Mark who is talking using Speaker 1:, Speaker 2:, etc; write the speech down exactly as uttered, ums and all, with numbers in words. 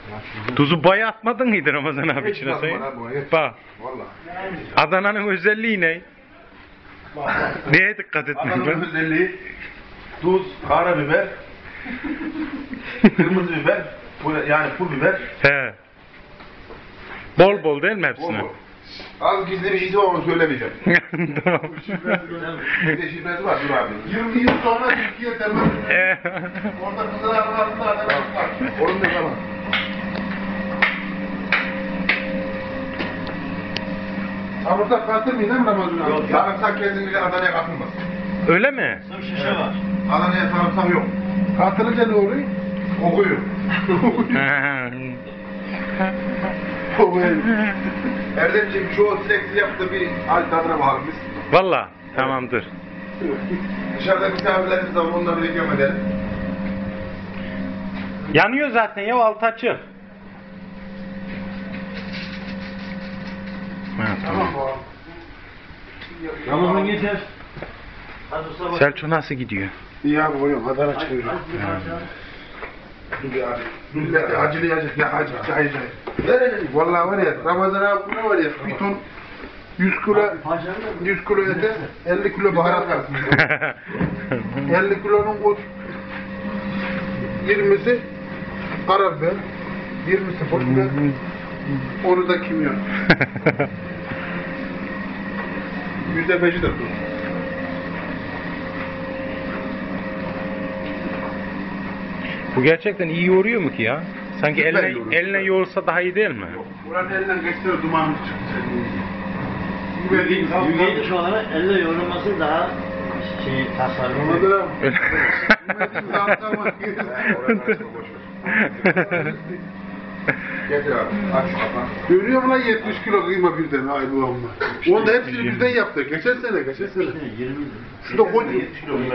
Speaker 1: Tuzu bayağı atmadın mıydı Ramazan abi içine sayın? Bak. Adana'nın özelliği ne? Neye dikkat ettin?
Speaker 2: Adana'nın özelliği tuz, karabiber, kırmızı biber, yani pul biber.
Speaker 1: He. Bol bol değil mi hepsine?
Speaker 2: Bol bol. Az gizli bir şey var, onu söylemeyeceğim.
Speaker 1: Tamam.
Speaker 2: Bir de şifresi var, dur abi. yirmi yıl sonra Türkiye temel. Orada kızlar arasında Adana var. Onun da tamam. Samursak katılmayın değil mi Ramazan abi? Yok, sarımsak kesinlikle Adana'ya katılmaz.
Speaker 1: Öyle mi?
Speaker 3: Şişe var.
Speaker 2: Adana'ya sarımsak yok. Katılınca ne oluyor? Kokuyor. Kokuyor. Erdemciğim çoğu sileksi yaptı, bir hal tadına bakalım biz.
Speaker 1: Valla tamamdır.
Speaker 2: Dışarıda misafirlerimiz var, onları da ikram edelim.
Speaker 1: Yanıyor zaten ya, altı açık. Ha, tamam.
Speaker 3: Ramazan geçer. Hadi sabah.
Speaker 1: Selçuk nasıl gidiyor?
Speaker 2: İyi abi oluyorum, Adana çıkıyorum. Dur abi. Millete acılı acılı ya acı acı acı. Vallahi var ya Ramazan abi ne var ya bir ton yüz kilo yüz kilo ete elli kilo baharat kalsın. elli kilonun o yirmisi karabiber, yirmisi pul biber, onu da kimyon. Yüzde beşi de tuz.
Speaker 1: Bu gerçekten iyi yoğuruyor mu ki ya? Sanki
Speaker 2: Süper
Speaker 1: eline,
Speaker 2: yoğuruyor.
Speaker 1: eline yoğursa daha iyi değil mi?
Speaker 2: Buranın elinden geçse dumanımız çıktı.
Speaker 3: Yügeyiş olarak elle yoğrulması daha şey tasarruflu.
Speaker 2: Ramazan abi.
Speaker 1: Öyle.
Speaker 2: Getir abi, aç şu kapağı. Görüyor musun lan yetmiş kilo kıyma birden ay bu amma. Onu da hepsini birden yaptık. Geçen sene, geçen sene.
Speaker 3: yirmi.
Speaker 2: Şurada koy.